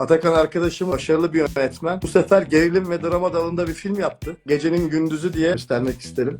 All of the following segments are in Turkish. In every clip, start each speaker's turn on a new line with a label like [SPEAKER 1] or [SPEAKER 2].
[SPEAKER 1] Atakan arkadaşım başarılı bir yönetmen. Bu sefer gerilim ve drama dalında bir film yaptı. Gecenin Gündüzü diye göstermek isterim.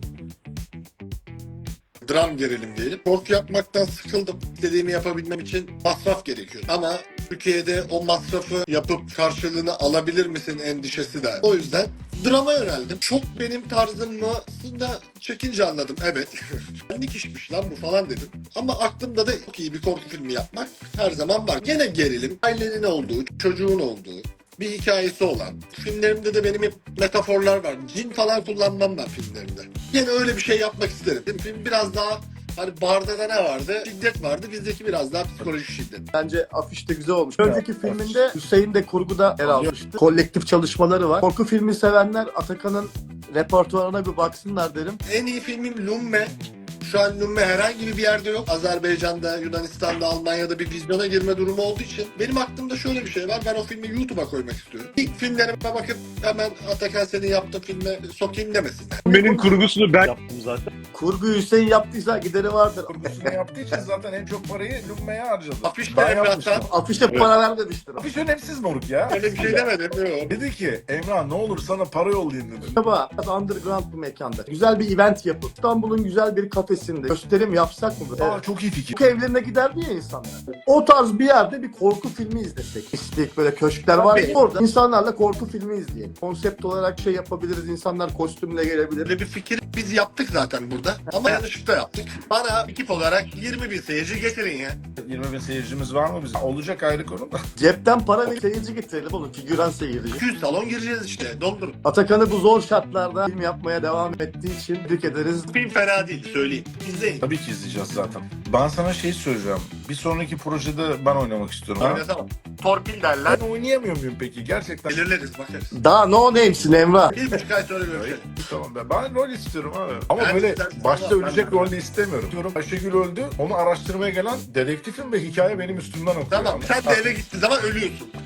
[SPEAKER 2] Dram gerilim diyelim. Korku yapmaktan sıkıldım. İstediğimi yapabilmem için masraf gerekiyor. Ama Türkiye'de o masrafı yapıp karşılığını alabilir misin endişesi de. O yüzden drama yöneldim. Çok benim tarzım mı? Aslında çekince anladım. Evet. Benlik işmiş lan bu falan dedim. Ama aklımda da çok iyi bir korku filmi yapmak her zaman var. Gene gerilim. Ailenin olduğu, çocuğun olduğu bir hikayesi olan. Filmlerimde de benim hep metaforlar var. Cin falan kullanmam ben filmlerimde. Yine öyle bir şey yapmak isterim. Film biraz daha hani barda da ne vardı? Şiddet vardı. Bizdeki biraz daha psikolojik şiddet.
[SPEAKER 1] Bence afiş de güzel olmuş. Önceki filminde Hüseyin de kurguda yer almıştı. Kolektif çalışmaları var. Korku filmi sevenler Atakan'ın repertuarına bir baksınlar derim.
[SPEAKER 2] En iyi filmim Lumme. Şu an Lumme herhangi bir yerde yok. Azerbaycan'da, Yunanistan'da, Almanya'da bir vizyona girme durumu olduğu için benim aklımda şöyle bir şey var. Ben o filmi YouTube'a koymak istiyorum. İlk filmlerime bakıp hemen Atakan senin yaptığın filme sokayım demesinler.
[SPEAKER 3] Benim kurgusunu ben yaptım zaten.
[SPEAKER 1] Kurgu Hüseyin yaptıysa gideri vardır.
[SPEAKER 4] Kurgusunu yaptığı için zaten en çok parayı Lumme'ye harcadı.
[SPEAKER 2] Afiş de
[SPEAKER 4] Ben
[SPEAKER 2] Emrah'tan.
[SPEAKER 4] yapmıştım.
[SPEAKER 1] Afişe para vermemiştir.
[SPEAKER 4] Afiş önemsiz moruk ya.
[SPEAKER 2] Öyle bir şey demedim. Yok.
[SPEAKER 4] Dedi ki Emrah ne olur sana para yollayayım dedi.
[SPEAKER 1] Acaba biraz underground bir mekanda güzel bir event yapıp İstanbul'un güzel bir kafesinde gösterim yapsak mı?
[SPEAKER 4] Aa çok iyi fikir.
[SPEAKER 1] Korku evlerine giderdi ya insanlar. O tarz bir yerde bir korku filmi izlesek. İstik böyle köşkler var ya. Orada insanlarla korku filmi izleyelim. Konsept olarak şey yapabiliriz. İnsanlar kostümle gelebilir.
[SPEAKER 2] Böyle bir fikir biz yaptık zaten burada. Ama yanlışlıkla yaptık. Bana ekip olarak 20 bin seyirci getirin ya.
[SPEAKER 4] 20 bin seyircimiz var mı bizim? Olacak ayrı konu da.
[SPEAKER 1] Cepten para ve seyirci getirelim oğlum. Figüran seyirci.
[SPEAKER 2] 200 salon gireceğiz işte. Doldurun.
[SPEAKER 1] Atakan'ı bu zor şartlarda film yapmaya devam ettiği için tebrik ederiz.
[SPEAKER 2] Film fena değil söyleyeyim. İzleyin.
[SPEAKER 4] Tabii ki izleyeceğiz zaten. Ben sana şey söyleyeceğim. Bir sonraki projede ben oynamak istiyorum. Ha?
[SPEAKER 2] Oynatamam. Torpil derler.
[SPEAKER 4] Ben oynayamıyor muyum peki? Gerçekten.
[SPEAKER 2] Belirleriz bakarız.
[SPEAKER 1] Daha no name'sin Emrah.
[SPEAKER 2] 1,5 ay sonra görüşelim.
[SPEAKER 4] Tamam ben rol istiyorum abi. Ama
[SPEAKER 2] Ben
[SPEAKER 4] böyle
[SPEAKER 2] istersen
[SPEAKER 4] başta
[SPEAKER 2] Allah,
[SPEAKER 4] ölecek
[SPEAKER 2] ben-
[SPEAKER 4] rolde istemiyorum. Diyorum Ayşegül öldü. Onu araştırmaya gelen dedektifim ve hikaye benim üstümden okuyor.
[SPEAKER 2] Tamam sen de eve gittiğin zaman ölüyorsun.